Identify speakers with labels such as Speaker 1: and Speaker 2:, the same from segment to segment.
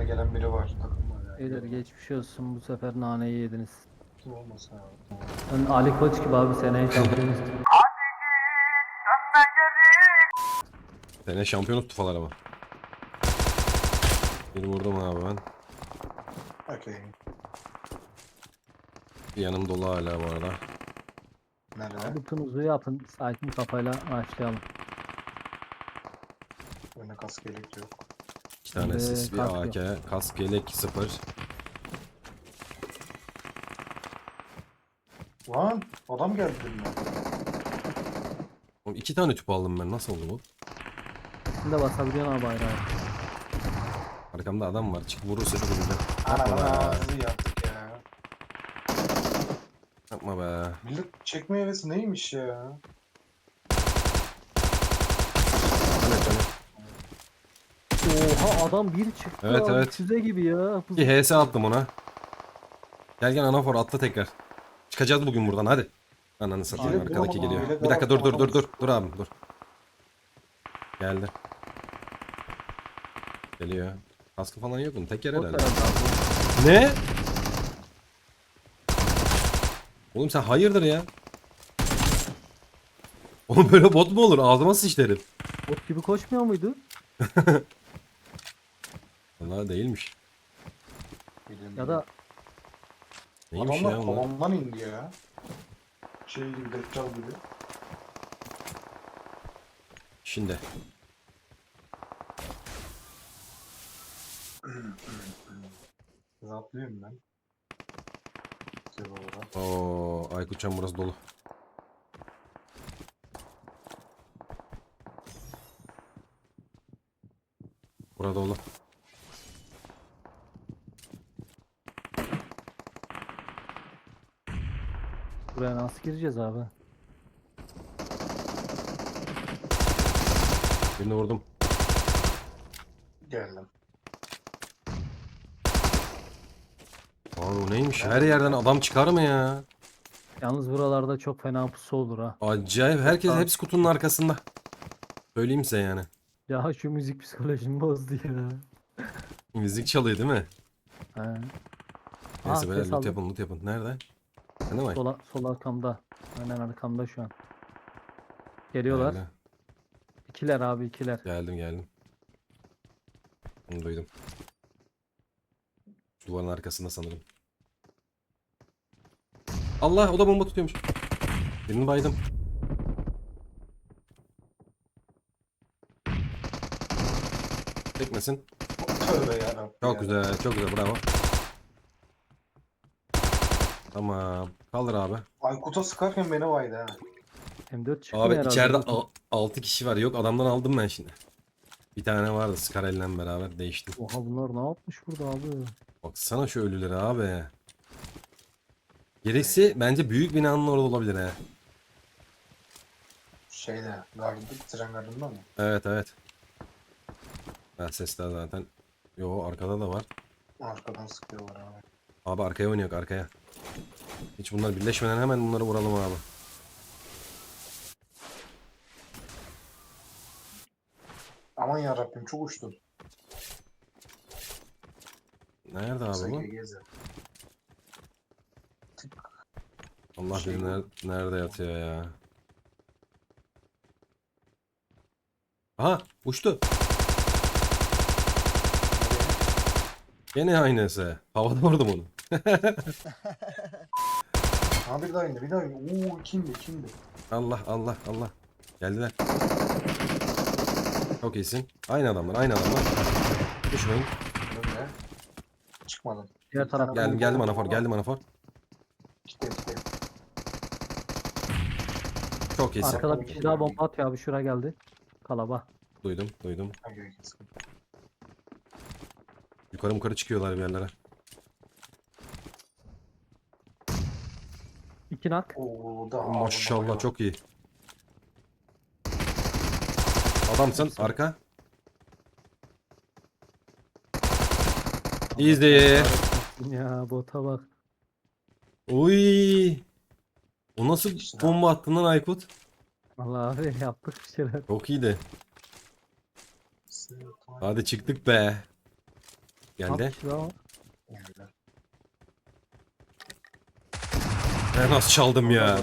Speaker 1: Önüne gelen biri var. Takım var yani.
Speaker 2: Beyler geçmiş olsun, bu sefer naneyi yediniz.
Speaker 1: Kim olmasa abi.
Speaker 2: Ben Ali Koç gibi abi, seneye şampiyon istiyorum.
Speaker 3: Sene şampiyonluk tufalar ama. Bir vurdum abi ben.
Speaker 1: Okey.
Speaker 3: Yanım dolu hala bu arada.
Speaker 1: Nerede?
Speaker 2: Butunuzu yapın, sakin kafayla başlayalım.
Speaker 1: Önüne kask yelek yok.
Speaker 3: İki tane sis, bir
Speaker 2: kask
Speaker 3: AK, kask, yelek, 0.
Speaker 1: Lan adam geldi benimle.
Speaker 3: Oğlum 2 tane tüp aldım ben. Nasıl oldu bu?
Speaker 2: Şimdi basabiliyorsun abi bayrağı.
Speaker 3: Arkamda adam var. Çık vurursa çok vuracağım.
Speaker 1: Ana
Speaker 3: Yapma
Speaker 1: bana
Speaker 3: be.
Speaker 1: ağzı yaptık ya.
Speaker 3: Yapma be.
Speaker 1: Millet çekme hevesi neymiş ya?
Speaker 3: Hani.
Speaker 2: Oha, adam bir çıktı
Speaker 3: Evet,
Speaker 2: abi,
Speaker 3: evet.
Speaker 2: füze gibi ya.
Speaker 3: Bir HS attım ona. Gel gel anafor atla tekrar. Çıkacağız bugün buradan hadi. Ananı satayım,
Speaker 1: Yelek
Speaker 3: arkadaki
Speaker 1: bulamadım.
Speaker 3: geliyor.
Speaker 1: Yelek
Speaker 3: Bir dakika
Speaker 1: bulamadım.
Speaker 3: dur abi dur. Geldi. Geliyor. Kaskı falan yok mu? Tek yer
Speaker 2: Bot
Speaker 3: herhalde.
Speaker 2: herhalde abi.
Speaker 3: Ne? Oğlum sen hayırdır ya? Oğlum böyle bot mu olur? Ağzıma sıçtı herif.
Speaker 2: Bot gibi koşmuyor muydu?
Speaker 3: Vallahi değilmiş.
Speaker 1: Bilmiyorum.
Speaker 2: Ya da
Speaker 3: Neymiş
Speaker 1: adamlar
Speaker 3: ya onlar?
Speaker 1: tavandan indi ya. Şey gibi, Deccal gibi.
Speaker 3: Şimdi.
Speaker 1: Rahatlıyorum ben. Güzel olarak.
Speaker 3: Oo, Aykutcan burası dolu. Burada dolu.
Speaker 2: buraya nasıl gireceğiz abi?
Speaker 3: Birini vurdum.
Speaker 1: Geldim.
Speaker 3: Abi o neymiş? Her yerden adam çıkar mı ya?
Speaker 2: Yalnız buralarda çok fena pusu olur ha.
Speaker 3: Acayip. Herkes
Speaker 2: Abi.
Speaker 3: hepsi kutunun arkasında. Söyleyeyim size yani.
Speaker 2: Ya şu müzik psikolojimi bozdu ya.
Speaker 3: Müzik çalıyor değil mi?
Speaker 2: He.
Speaker 3: Neyse böyle
Speaker 2: Ses
Speaker 3: loot
Speaker 2: aldım.
Speaker 3: yapın loot yapın. Nerede? Sen de mi?
Speaker 2: Sol arkamda. Aynen arkamda şu an. Geliyorlar.
Speaker 3: Geldi.
Speaker 2: İkiler abi, ikiler.
Speaker 3: Geldim. Onu duydum. Şu duvarın arkasında sanırım. Allah, o da bomba tutuyormuş. Birini baydım. Çekmesin.
Speaker 1: Tövbe yarabbim
Speaker 3: Çok
Speaker 1: ya.
Speaker 3: güzel, çok güzel, bravo. Tamam. Kaldır abi.
Speaker 1: Aykut'a sıkarken beni vaydı ha.
Speaker 2: M4 çıkmıyor
Speaker 3: Abi
Speaker 2: herhalde.
Speaker 3: içeride
Speaker 2: Bakın.
Speaker 3: 6 kişi var. Yok, adamdan aldım ben şimdi. Bir tane vardı Scarell'le beraber değiştim.
Speaker 2: Oha, bunlar ne yapmış burada abi?
Speaker 3: Baksana şu ölüleri abi. Gerisi bence büyük binanın orada olabilir he.
Speaker 1: Şeyde, tren gardında mı?
Speaker 3: Evet. Ben sesler zaten. Yo, arkada da var.
Speaker 1: Arkadan sıkıyorlar abi.
Speaker 3: Abi arkaya oynuyor, arkaya. Hiç bunlar birleşmeden hemen bunları vuralım abi.
Speaker 1: Aman yarabbim çok uçtum.
Speaker 3: Nerede abi bu?
Speaker 1: SGGZ.
Speaker 3: Allah
Speaker 1: Şey
Speaker 3: bilir
Speaker 1: bu.
Speaker 3: nerede yatıyor ya. Aha, uçtu. Gene aynısı. Havada vurdum onu.
Speaker 1: Ha bir daha indi, bir daha indi. Oo kimdi?
Speaker 3: Allah. Geldiler. Çok iyisin. Aynı adamlar. Düşmeyin.
Speaker 1: Öyle. Çıkmadım.
Speaker 2: Diğer
Speaker 1: Bir tane
Speaker 2: taraf.
Speaker 3: Geldim
Speaker 1: bomba
Speaker 3: anafor,
Speaker 1: var.
Speaker 3: geldim anafor.
Speaker 1: Gitti.
Speaker 3: Çok iyisin.
Speaker 2: Arkada bir kişi daha bomba atıyor abi, şura geldi. Kalaba.
Speaker 3: Duydum.
Speaker 1: Hangi kesin?
Speaker 3: Yukarı çıkıyorlar bir yerlere.
Speaker 2: İki nak.
Speaker 1: Oo da
Speaker 3: Maşallah çok iyi. Adamsın, arka. Easy.
Speaker 2: Ya bota bak.
Speaker 3: Uy. O nasıl bomba attın lan Aykut?
Speaker 2: Vallahi abi yaptık bir şeyler.
Speaker 3: Çok iyiydi. Hadi çıktık be. Geldi.
Speaker 2: Ya.
Speaker 1: Öyle.
Speaker 3: Ben nasıl çaldım ya.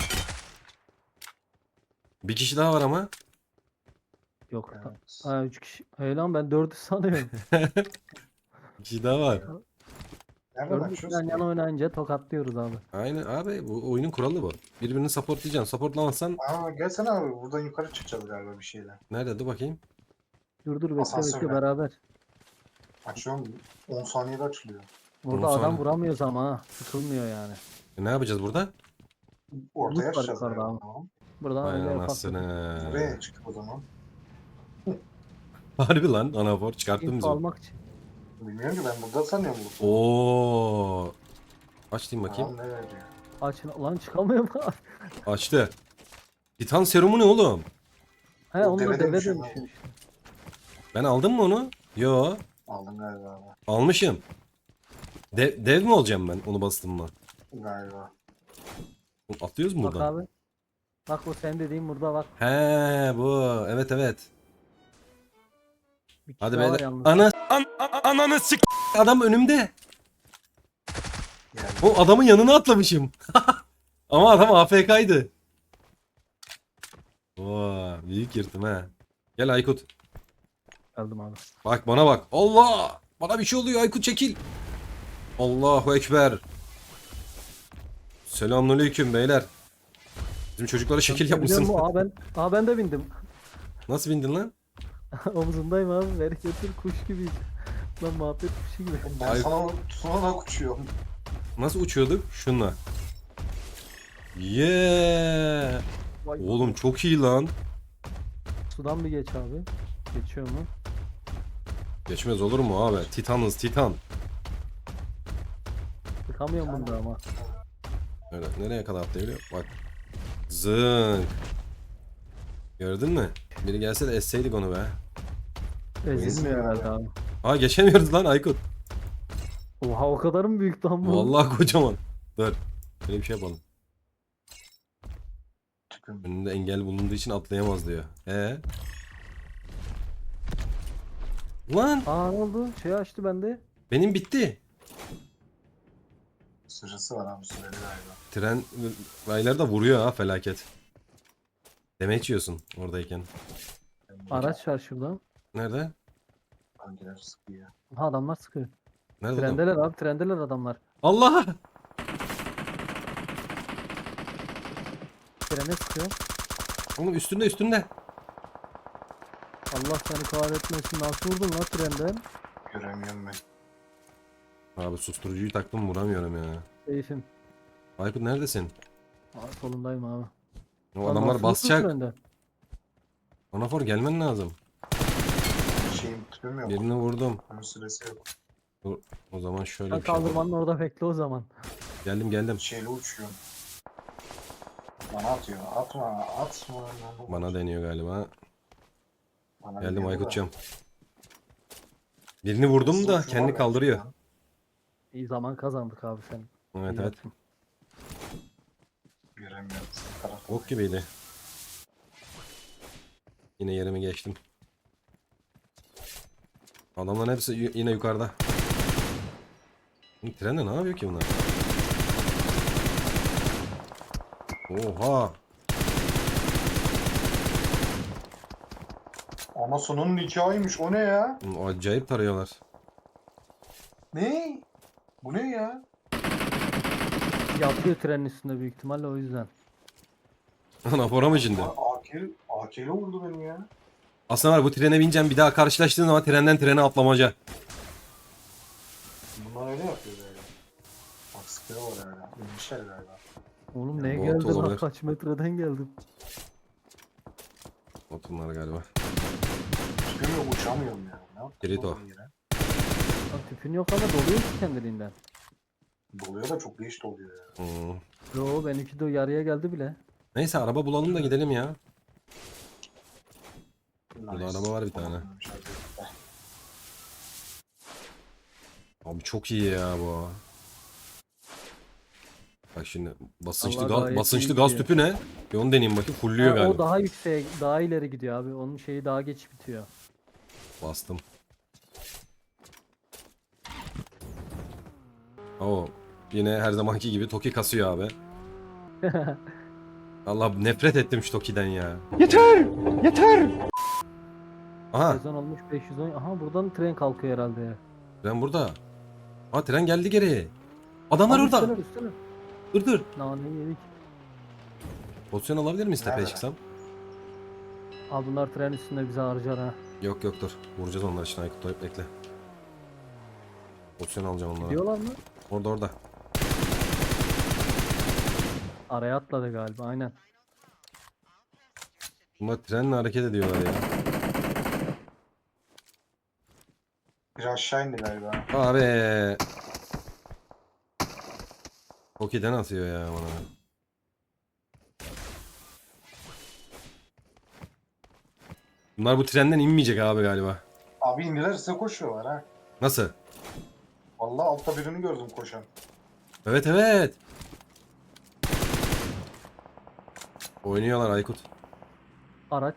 Speaker 3: Bir kişi daha var ama.
Speaker 2: Yok.
Speaker 1: Evet.
Speaker 2: Ha 3 kişi. Hey lan ben 4'ü sanıyorum.
Speaker 3: Bir kişi daha var.
Speaker 1: Nereden
Speaker 2: 4'ü
Speaker 1: açıyoruz
Speaker 2: yan
Speaker 1: ki?
Speaker 2: yana oynayınca tokatlıyoruz abi.
Speaker 3: Aynen abi, bu oyunun kuralı bu. Birbirini supportlayacaksın. Supportlamazsan
Speaker 1: Aa gelsene abi, buradan yukarı çıkacağız galiba bir şeyle.
Speaker 3: nerede, dur bakayım.
Speaker 2: Dur bekle
Speaker 1: Asansörle.
Speaker 2: beraber.
Speaker 1: Açıyorum, 10 saniyede açılıyor.
Speaker 2: Burada
Speaker 3: Onu
Speaker 2: adam
Speaker 3: sonra.
Speaker 2: vuramıyoruz ama ha. Sıkılmıyor yani.
Speaker 3: Ne yapacağız burada?
Speaker 1: Ortaya
Speaker 2: Loot var
Speaker 1: açacağız
Speaker 2: yukarıda
Speaker 1: galiba.
Speaker 2: abi.
Speaker 1: Tamam.
Speaker 2: Buradan
Speaker 3: Vay
Speaker 2: öyle ufak
Speaker 3: anasını.
Speaker 1: Buraya çıktık o zaman.
Speaker 3: Harbi lan, anafor çıkarttın
Speaker 2: info
Speaker 3: bizi.
Speaker 2: almak için.
Speaker 1: Bilmiyorum ki, ben burada sanıyorum bu.
Speaker 3: Oo. Aç diyeyim bakayım.
Speaker 1: Tamam, ne veriyor?
Speaker 2: Açın lan çıkamıyorum abi.
Speaker 3: Açtı. Titan serumu ne oğlum?
Speaker 2: He
Speaker 1: O
Speaker 2: onu da
Speaker 1: deve
Speaker 2: deve
Speaker 1: dönüşüyor
Speaker 2: dönüşüyor işte.
Speaker 3: Ben aldım mı onu? Yo.
Speaker 1: Aldım galiba abi.
Speaker 3: Almışım. Dev mi olacağım ben onu bastım mı?
Speaker 1: Galiba.
Speaker 3: Atlıyoruz mu
Speaker 2: Bak
Speaker 3: buradan?
Speaker 2: abi. Bak o sen dediğin burada bak.
Speaker 3: He bu. Evet evet.
Speaker 2: Bir kişi
Speaker 3: Hadi
Speaker 2: daha var
Speaker 3: beyler.
Speaker 2: yalnız.
Speaker 3: Ananı sik. Adam önümde.
Speaker 1: Yani
Speaker 3: O adamın yanına atlamışım. Ama adam AFK'ydı. Oo, büyük yırtım ha. Gel Aykut.
Speaker 2: Geldim abi.
Speaker 3: Bak bana bak. Allah! Bana bir şey oluyor Aykut, çekil. Allahu Ekber. Selamünaleyküm beyler. Bizim çocuklara şekil
Speaker 2: Biliyor
Speaker 3: yapmışsın.
Speaker 2: musun? Ben de bindim.
Speaker 3: Nasıl bindin lan?
Speaker 2: Omzundayım abi. Ver götür kuş gibiyim. Lan muhabbet kuşu gibi.
Speaker 1: ben
Speaker 3: Ay-
Speaker 1: sana tutunarak uçuyorum.
Speaker 3: Nasıl uçuyorduk? Şunla. Yeah.
Speaker 2: Vay
Speaker 3: Oğlum çok iyi lan.
Speaker 2: Sudan bir geç abi. Geçiyor mu?
Speaker 3: Geçmez olur mu abi? Titanız Titan.
Speaker 2: Sıkamıyorum bunda ama.
Speaker 3: Öyle nereye kadar atlayabiliyor? Bak. Zınk. Gördün mü? Biri gelse de esseydik onu be.
Speaker 2: Ezilmiyor herhalde abi.
Speaker 3: Aa geçemiyoruz lan Aykut.
Speaker 2: Oha o kadar mı büyük lan bu?
Speaker 3: Vallahi kocaman. Dur. Böyle bir şey yapalım.
Speaker 1: Tüpüm.
Speaker 3: Önünde engel bulunduğu için atlayamaz diyor. Lan
Speaker 2: Aa ne oldu? Şey açtı bende.
Speaker 3: benim bitti.
Speaker 1: Sırası var abi, süreli galiba.
Speaker 3: Tren rayları da vuruyor ha, felaket. Demeç yiyorsun oradayken.
Speaker 2: Araç var şurada.
Speaker 3: Nerede?
Speaker 1: Hangiler sıkıyor?
Speaker 2: Ha adamlar sıkıyor.
Speaker 3: Nerede adam?
Speaker 2: Trendeler abi trendeler adamlar.
Speaker 3: Allah!
Speaker 2: Trene sıkıyor.
Speaker 3: Oğlum üstünde üstünde.
Speaker 2: Allah seni kahretmesin. Nasıl vurdun lan trenden?
Speaker 1: Göremiyorum ben.
Speaker 3: Abi susturucuyu taktım, vuramıyorum ya.
Speaker 2: Seyfim.
Speaker 3: Aykut neredesin?
Speaker 2: Aa, solundayım abi.
Speaker 3: O
Speaker 2: Lan
Speaker 3: adamlar
Speaker 2: nasıl vurdun
Speaker 3: basacak.
Speaker 2: trenden?
Speaker 3: Anafor gelmen lazım.
Speaker 1: Şeyim, tüpüm yok.
Speaker 3: Birini vurdum.
Speaker 1: Bunun süresi yok.
Speaker 3: O zaman şöyle
Speaker 2: Sen
Speaker 3: bir şey yapalım.
Speaker 2: kaldırmanın orada bekle o zaman.
Speaker 3: Geldim.
Speaker 1: Şeyle uçuyorum. Bana atıyor. Atma.
Speaker 3: Bana deniyor galiba.
Speaker 1: Bana
Speaker 3: Geldim
Speaker 1: deniyor da.
Speaker 3: Aykut'cum. Birini vurdum
Speaker 1: Hızlı
Speaker 3: da
Speaker 1: uçuyor
Speaker 3: kendi
Speaker 1: abi
Speaker 3: kaldırıyor.
Speaker 1: gerçekten.
Speaker 2: İyi zaman kazandık abi sen.
Speaker 3: Evet
Speaker 2: İyi
Speaker 3: evet.
Speaker 2: yaptın.
Speaker 1: Göremiyorum. Tarafta.
Speaker 3: Ok gibiydi. Yine yerimi geçtim. Adamların hepsi yine yukarıda. Trende ne yapıyor ki bunlar? Oha!
Speaker 1: Anasının nikahıymış. O ne ya?
Speaker 3: Acayip tarıyorlar.
Speaker 1: Ne? Bu ne ya?
Speaker 2: Yatıyor trenin üstünde büyük ihtimalle o yüzden.
Speaker 3: Anafora mı şimdi?
Speaker 1: AK'yle vurdu beni ya.
Speaker 3: Aslında var, bu trene bineceğim, bir daha karşılaştığın zaman trenden trene atlamaca.
Speaker 1: Bunlar öyle yapıyor böyle. Bak sıkıyorlar öyle. İnmişler galiba.
Speaker 2: Oğlum
Speaker 3: Ya,
Speaker 2: ne
Speaker 3: bot
Speaker 2: geldi lan
Speaker 3: olabilir.
Speaker 2: kaç metreden geldim.
Speaker 3: Oturmalar galiba.
Speaker 1: Tüpüm yok, uçamıyorum ya. Ne yaptın
Speaker 3: Kirito.
Speaker 1: oğlum yine?
Speaker 2: Lan tüpün yok ama doluyor ki kendiliğinden.
Speaker 1: Doluyor da çok geç doluyor ya.
Speaker 2: Yo benimki de yarıya geldi bile.
Speaker 3: Neyse araba bulalım da gidelim ya. Burada
Speaker 1: Nice.
Speaker 3: araba var bir tane.
Speaker 1: Tamam, hadi.
Speaker 3: Abi çok iyi ya bu. Bak şimdi basınçlı
Speaker 2: Allah gayet
Speaker 3: basınçlı
Speaker 2: iyi
Speaker 3: gaz
Speaker 2: gidiyor.
Speaker 3: tüpü ne? Bir onu deneyeyim bakayım. Fulluyor
Speaker 2: Ha,
Speaker 3: galiba.
Speaker 2: o daha yükseğe, daha ileri gidiyor abi. Onun şeyi daha geç bitiyor.
Speaker 3: Bastım. Oo. Yine her zamanki gibi Toki kasıyor abi. Allah nefret ettim şu Toki'den ya.
Speaker 1: Yeter! Yeter!
Speaker 3: Aha
Speaker 2: Sezon olmuş 510. Aha buradan tren kalkıyor herhalde ya.
Speaker 3: tren burada. Aa tren geldi geri. Adamlar
Speaker 2: Abi
Speaker 3: orada.
Speaker 2: üstüne.
Speaker 3: Dur dur.
Speaker 2: Naneyi yedik.
Speaker 3: Pozisyon alabilir miyiz tepeye
Speaker 1: Nerede?
Speaker 3: çıksam?
Speaker 2: Abi bunlar tren üstünde bizi harcar ha.
Speaker 3: Yok yok dur. Vuracağız onlar için Aykut dur, bekle. Pozisyon alacağım onlara.
Speaker 2: Diyorlar mı?
Speaker 3: Orada orada.
Speaker 2: Araya atladı galiba aynen.
Speaker 3: Bunlar trenle hareket ediyorlar ya.
Speaker 1: Bir aşağı indi galiba.
Speaker 3: Abi. Toki'den atıyor ya bana. Bunlar bu trenden inmeyecek abi galiba.
Speaker 1: Abi indiler size koşuyorlar ha.
Speaker 3: Nasıl?
Speaker 1: Vallahi altta birini gördüm koşan.
Speaker 3: Evet evet. Oynuyorlar Aykut.
Speaker 2: Araç.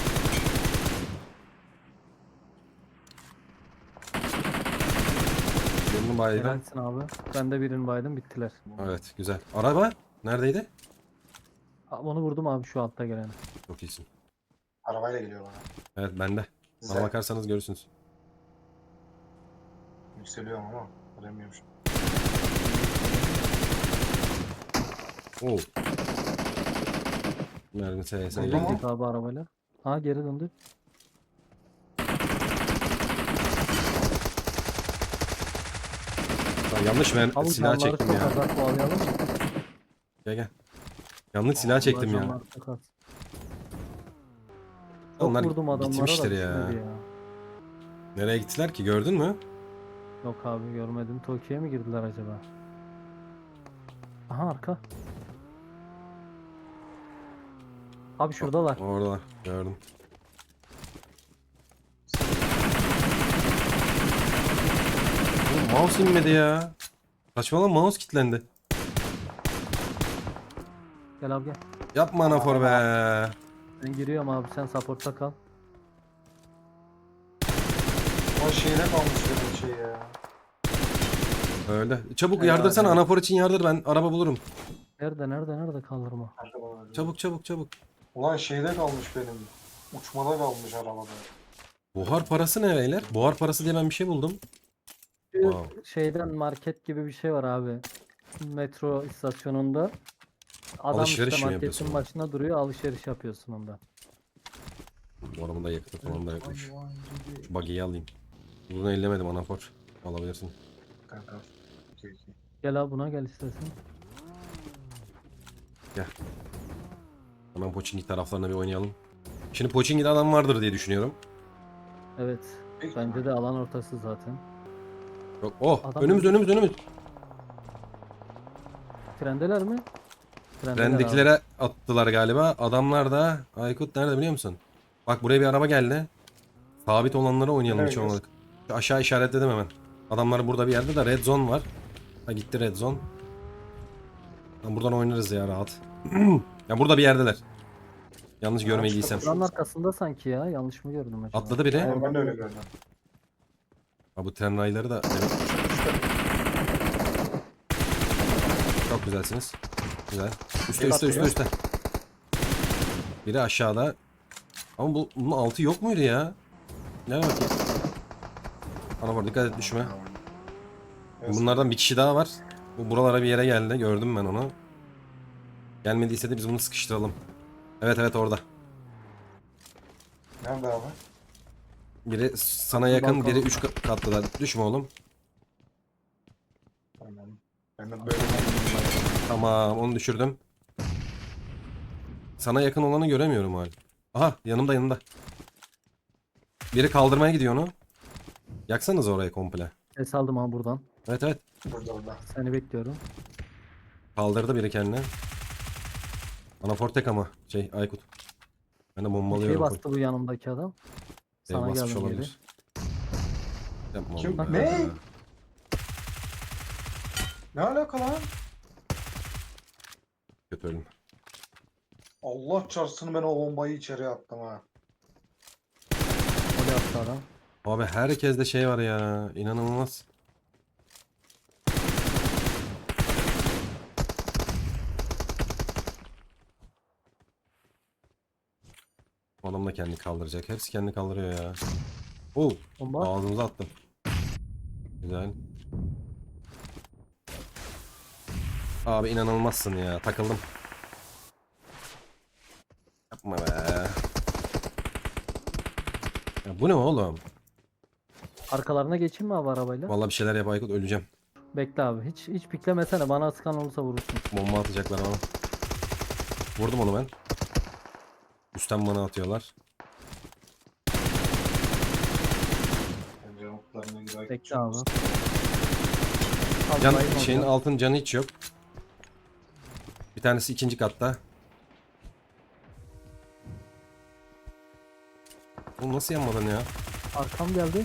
Speaker 3: Birini baydım.
Speaker 2: Helalsin abi. Ben de birini baydım bittiler.
Speaker 3: Evet güzel. Araba neredeydi?
Speaker 2: Onu vurdum abi şu altta geleni.
Speaker 3: Çok iyisin.
Speaker 1: Arabayla geliyor bana.
Speaker 3: Evet bende. Bana
Speaker 1: Size
Speaker 3: bakarsanız görürsünüz.
Speaker 1: yükseliyorum ama göremiyorum şu.
Speaker 3: Oo. Mermi SS'ye
Speaker 1: Vurdu mu?
Speaker 2: Geldik abi arabayla. Ha geri döndü.
Speaker 3: Yanlış ben
Speaker 2: Abi
Speaker 3: silah
Speaker 2: canları
Speaker 3: çektim
Speaker 2: çok
Speaker 3: ya.
Speaker 2: azalt bağlayalım mı?
Speaker 3: Gel gel. Yanlış silah çektim ya.
Speaker 2: Canlar çok az. Çok
Speaker 3: Onlar
Speaker 2: vurdum adamlara
Speaker 3: gitmiştir
Speaker 2: da
Speaker 3: ya.
Speaker 2: düşmedi ya.
Speaker 3: Nereye gittiler ki gördün mü?
Speaker 2: Yok abi görmedim. Tokyo'ya mı girdiler acaba? Aha arka. Abi şuradalar.
Speaker 3: Oradalar gördüm. Oğlum, mouse inmedi ya. Saçmalama mouse kilitlendi.
Speaker 2: Gel abi gel.
Speaker 3: Yapma anafor be.
Speaker 2: Ben giriyorum abi sen supportta kal.
Speaker 1: O şeyde kalmış benim şey ya.
Speaker 3: Öyle. Çabuk
Speaker 2: Helal
Speaker 3: yardırsana
Speaker 2: ya.
Speaker 3: anafor için yardır ben araba bulurum.
Speaker 2: Nerede kaldırma.
Speaker 1: Nerede bana öyle?
Speaker 3: Çabuk çabuk çabuk.
Speaker 1: Ulan şeyde kalmış benim. Uçmada kalmış arabada.
Speaker 3: Buhar parası ne beyler? Buhar parası diye ben bir şey buldum.
Speaker 2: Şu
Speaker 3: Wow.
Speaker 2: şeyden market gibi bir şey var abi. Metro istasyonunda. Adam
Speaker 3: Alışveriş
Speaker 2: işte
Speaker 3: mi
Speaker 2: marketin
Speaker 3: yapıyorsun?
Speaker 2: başına duruyor alışveriş yapıyorsun onda.
Speaker 3: Bu arabamın da yakıtı falan da yokmuş. Şu buggy'yi alayım. Bunu ellemedim anafor. Alabilirsin.
Speaker 1: Kanka. Okey, okey.
Speaker 2: Gel abi buna gel istersen.
Speaker 3: Hemen Pochinki taraflarına bir oynayalım. Şimdi Pochinki'de adam vardır diye düşünüyorum.
Speaker 2: Evet.
Speaker 1: Büyük
Speaker 2: Bence
Speaker 1: ihtimal.
Speaker 2: de alan ortası zaten.
Speaker 3: Yok. Oh
Speaker 2: Adam
Speaker 3: önümüz
Speaker 2: öldü.
Speaker 3: önümüz.
Speaker 2: Trendeler mi? Trendeler abi.
Speaker 3: Trendekilere attılar galiba. Adamlar da Aykut nerede biliyor musun? Bak buraya bir araba geldi. Sabit olanlara oynayalım
Speaker 1: Nereye
Speaker 3: hiç
Speaker 1: gidiyorsun?
Speaker 3: olmadık. Şu aşağı işaretledim hemen. Adamlar burada bir yerde de red zone var. Ha gitti red zone. Lan buradan oynarız ya rahat. Ya burada bir yerdeler. Yanlış
Speaker 1: Ha,
Speaker 3: görmediysem.
Speaker 1: çıkıyor.
Speaker 2: Buranın arkasında sanki ya. Yanlış mı gördüm acaba?
Speaker 3: Atladı biri.
Speaker 1: Aynen, ben de öyle gördüm.
Speaker 3: Ha bu tren rayları da çok güzelsiniz. Güzel. Üste
Speaker 1: Bir
Speaker 3: üste üste
Speaker 1: atıyor.
Speaker 3: üste. Biri aşağıda. Ama bunun altı yok muydu ya? Gel bakayım. Ana var dikkat et düşme. Bunlardan bir kişi daha var. Bu buralara bir yere geldi. Gördüm ben onu. Gelmediyse de biz bunu sıkıştıralım. Evet evet orada.
Speaker 1: Nerede abi?
Speaker 3: Biri sana yakın,
Speaker 2: balkon.
Speaker 3: biri 3 katlıda. Düşme oğlum.
Speaker 1: Tamam. Ben de böyle
Speaker 3: Tamam onu düşürdüm. Sana yakın olanı göremiyorum hala. Aha yanımda. Biri kaldırmaya gidiyor onu. Yaksanız orayı komple.
Speaker 2: Ses aldım abi buradan.
Speaker 3: Evet evet.
Speaker 1: burada.
Speaker 2: Seni bekliyorum.
Speaker 3: Kaldırdı biri kendini. Anafor tek ama. Aykut. Ben de
Speaker 2: Bir şey
Speaker 3: bombalıyorum.
Speaker 2: bastı bu yanımdaki adam. Sana
Speaker 3: Basmış
Speaker 2: geldim geri.
Speaker 3: olabilir. Yapma
Speaker 1: Kim?
Speaker 3: oğlum
Speaker 1: Ne?
Speaker 3: ya.
Speaker 1: Ne alaka lan?
Speaker 3: Kötü ölüm.
Speaker 1: Allah çarpsın ben o bombayı içeri attım ha.
Speaker 2: Öyle yaptı adam.
Speaker 3: Abi herkeste şey var ya. İnanılmaz. Adam da kendi kaldıracak. Hepsi kendi kaldırıyor ya. Oo,
Speaker 2: Bomba.
Speaker 3: ağzımıza attım. Güzel. Abi inanılmazsın ya. Takıldım. Yapma be. Ya bu ne oğlum?
Speaker 2: Arkalarına geçeyim mi abi arabayla?
Speaker 3: Vallahi bir şeyler yap Aykut, öleceğim.
Speaker 2: Bekle abi. Hiç piklemesene. Bana sıkan olursa vurursun.
Speaker 3: Bomba atacaklar bana. Vurdum onu ben. Üstten bana atıyorlar.
Speaker 1: Bence mutlarına girer.
Speaker 2: Bekle abi. Al,
Speaker 3: Can,
Speaker 2: bayılma
Speaker 3: şeyin
Speaker 2: orada.
Speaker 3: altın canı hiç yok. Bir tanesi ikinci katta. Bu nasıl yanmadın ya?
Speaker 2: Arkam geldi.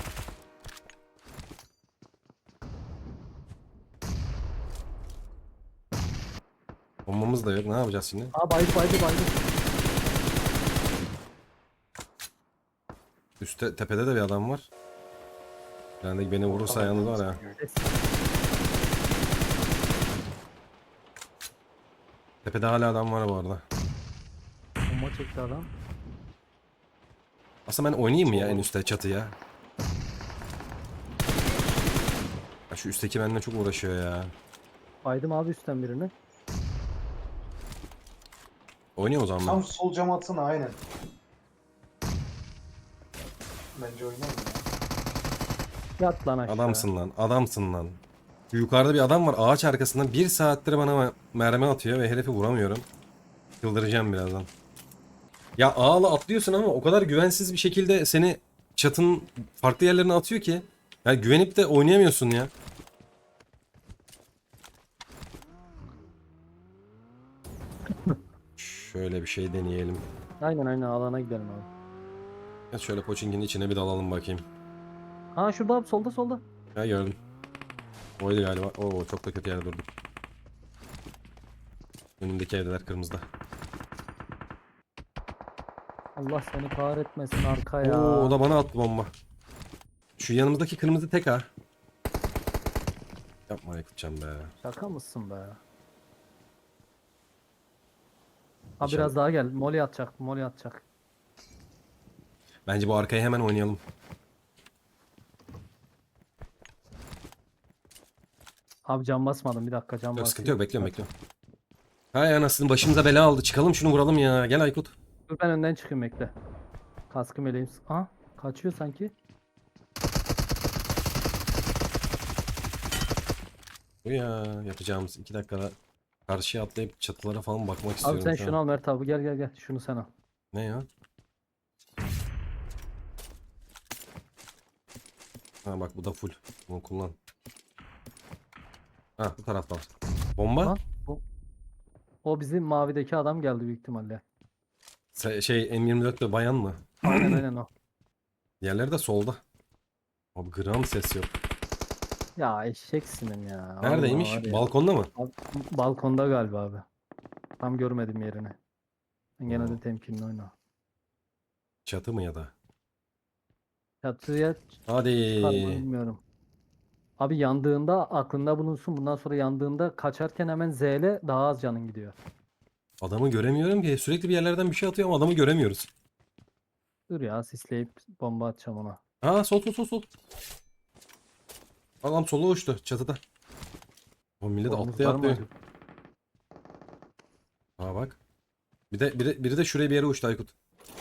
Speaker 3: Bombamız da yok. Ne yapacağız şimdi?
Speaker 2: Aa baydı.
Speaker 3: Üstte, tepede de bir adam var. Yani beni vurursa yalnız var ya.
Speaker 2: Ses.
Speaker 3: Tepede hala adam var bu arada.
Speaker 2: Bomba çekti adam.
Speaker 3: Aslında ben oynayayım mı ya en üstte çatıya? Ya şu üstteki benimle çok uğraşıyor ya.
Speaker 2: Baydım abi üstten birini.
Speaker 3: Oynayayım o zaman ben.
Speaker 1: Tam sol cam atsana aynen. Bence oynayalım ya.
Speaker 2: Yat lan aşağı.
Speaker 3: Adamsın lan, adamsın lan. Şu yukarıda bir adam var ağaç arkasında. Bir saattir bana mermi atıyor ve herifi vuramıyorum. Çıldıracağım birazdan. Ya ağla atlıyorsun ama o kadar güvensiz bir şekilde seni çatının farklı yerlerine atıyor ki. Yani güvenip de oynayamıyorsun ya. Şöyle bir şey deneyelim.
Speaker 2: Aynen alana gidelim abi.
Speaker 3: Ya şöyle Pochinki'nin içine bir dalalım bakayım.
Speaker 2: Ha şurada abi solda.
Speaker 3: Ya gördüm. Oydu galiba. Oo çok da kötü yerde durdum. Önündeki evdeler kırmızıda.
Speaker 2: Allah seni kahretmesin arka ya.
Speaker 3: Oo o da bana attı bomba. Şu yanımızdaki kırmızı tek ha. Yapma Aykutcan be.
Speaker 2: Şaka mısın be? Ha
Speaker 3: İnşallah.
Speaker 2: biraz daha gel. Molly atacak.
Speaker 3: Bence bu arkaya hemen oynayalım.
Speaker 2: Abi cam basmadım bir dakika cam
Speaker 3: Yok,
Speaker 2: basayım.
Speaker 3: sıkıntı yok, bekliyorum. Hay anasını, başımıza bela aldı. Çıkalım şunu vuralım ya. Gel Aykut.
Speaker 2: Dur ben önden çıkayım bekle. Kaskım eleyim. Aha kaçıyor sanki.
Speaker 3: Bu ya yapacağımız 2 dakikada karşıya atlayıp çatılara falan bakmak
Speaker 2: Abi
Speaker 3: istiyorum
Speaker 2: sen
Speaker 3: şu
Speaker 2: şunu
Speaker 3: an.
Speaker 2: al Mert abi gel. Şunu sen al.
Speaker 3: Ne ya? Ha bak bu da full. Bunu kullan. Ha bu tarafta var. Bomba?
Speaker 2: Lan o bizim mavideki adam geldi büyük ihtimalle.
Speaker 3: Şey M24'te bayan mı?
Speaker 2: Aynen o.
Speaker 3: Diğerleri de solda. Abi gram ses yok.
Speaker 2: Ya eşeksinin ya.
Speaker 3: Neredeymiş?
Speaker 2: Vallahi var ya.
Speaker 3: Balkonda mı?
Speaker 2: Balkonda galiba abi. Tam görmedim yerini. Ben gene de
Speaker 3: Oo.
Speaker 2: temkinli oyna.
Speaker 3: Çatı mı ya da?
Speaker 2: Çatıya
Speaker 3: Hadi.
Speaker 2: çıkar mı bilmiyorum. Abi yandığında aklında bulunsun. Bundan sonra yandığında kaçarken hemen Z'le daha az canın gidiyor.
Speaker 3: Adamı göremiyorum ki. Sürekli bir yerlerden bir şey atıyor ama adamı göremiyoruz.
Speaker 2: Dur ya sisleyip bomba atacağım ona.
Speaker 3: Aa sol. Adam sola uçtu çatıda. O millet
Speaker 2: Bombanız
Speaker 3: atlıyor
Speaker 2: var mı
Speaker 3: atlıyor.
Speaker 2: acaba?
Speaker 3: Aa bak. Biri de şuraya bir yere uçtu Aykut.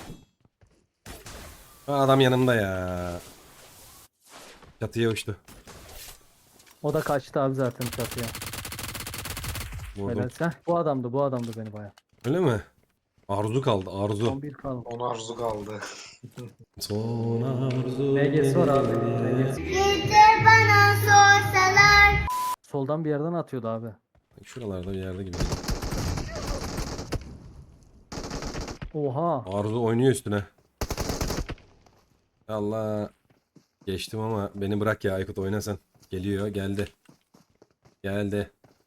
Speaker 3: Aa, adam yanımda ya. Çatıya uçtu.
Speaker 2: O da kaçtı abi zaten çatıya.
Speaker 3: Vurdum.
Speaker 2: Helal sen. Bu adamdı beni baya.
Speaker 3: Öyle mi? Arzu kaldı arzu.
Speaker 2: 11 kaldı.
Speaker 1: Ona arzu kaldı.
Speaker 3: Son arzu.
Speaker 2: MG'si var abi. MG'si. Soldan bir yerden atıyordu abi.
Speaker 3: Şuralarda bir yerde gibi.
Speaker 2: Oha.
Speaker 3: Arzu oynuyor üstüne. Allah. Geçtim ama beni bırak ya Aykut, oyna sen. Geliyor, geldi. Geldi.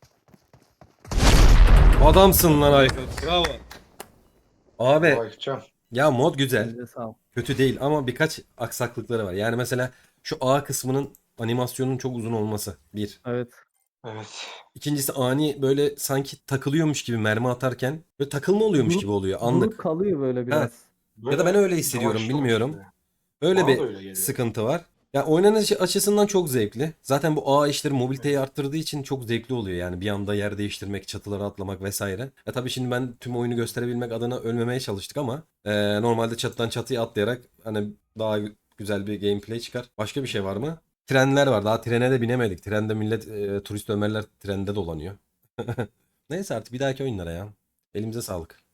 Speaker 3: Adamsın lan Aykut. Bravo. Abi
Speaker 1: Bakacağım.
Speaker 3: ya mod güzel.
Speaker 2: Elinize sağlık.
Speaker 3: Kötü değil ama birkaç aksaklıkları var. Yani mesela şu A kısmının animasyonun çok uzun olması. Bir.
Speaker 2: Evet.
Speaker 1: Evet.
Speaker 3: İkincisi ani böyle sanki takılıyormuş gibi mermi atarken böyle takılma oluyormuş gibi oluyor
Speaker 2: Durup
Speaker 3: anlık.
Speaker 2: kalıyor böyle
Speaker 3: Ha,
Speaker 2: biraz.
Speaker 3: Ya da ben öyle
Speaker 1: Böyle
Speaker 3: hissediyorum,
Speaker 1: yavaşlıyor
Speaker 3: bilmiyorum.
Speaker 1: işte.
Speaker 3: Öyle
Speaker 1: Bana
Speaker 3: bir
Speaker 1: da öyle geliyor.
Speaker 3: sıkıntı var. Ya oynanış açısından çok zevkli. Zaten bu ağ işleri mobiliteyi arttırdığı için çok zevkli oluyor. Yani bir anda yer değiştirmek, çatılara atlamak vesaire. Tabii şimdi ben tüm oyunu gösterebilmek adına ölmemeye çalıştık ama normalde çatıdan çatıya atlayarak hani daha güzel bir gameplay çıkar. Başka bir şey var mı? Trenler var. Daha trene de binemedik. Trende millet turist Ömerler trende dolanıyor. Neyse artık bir dahaki oyunlara ya. Elimize sağlık.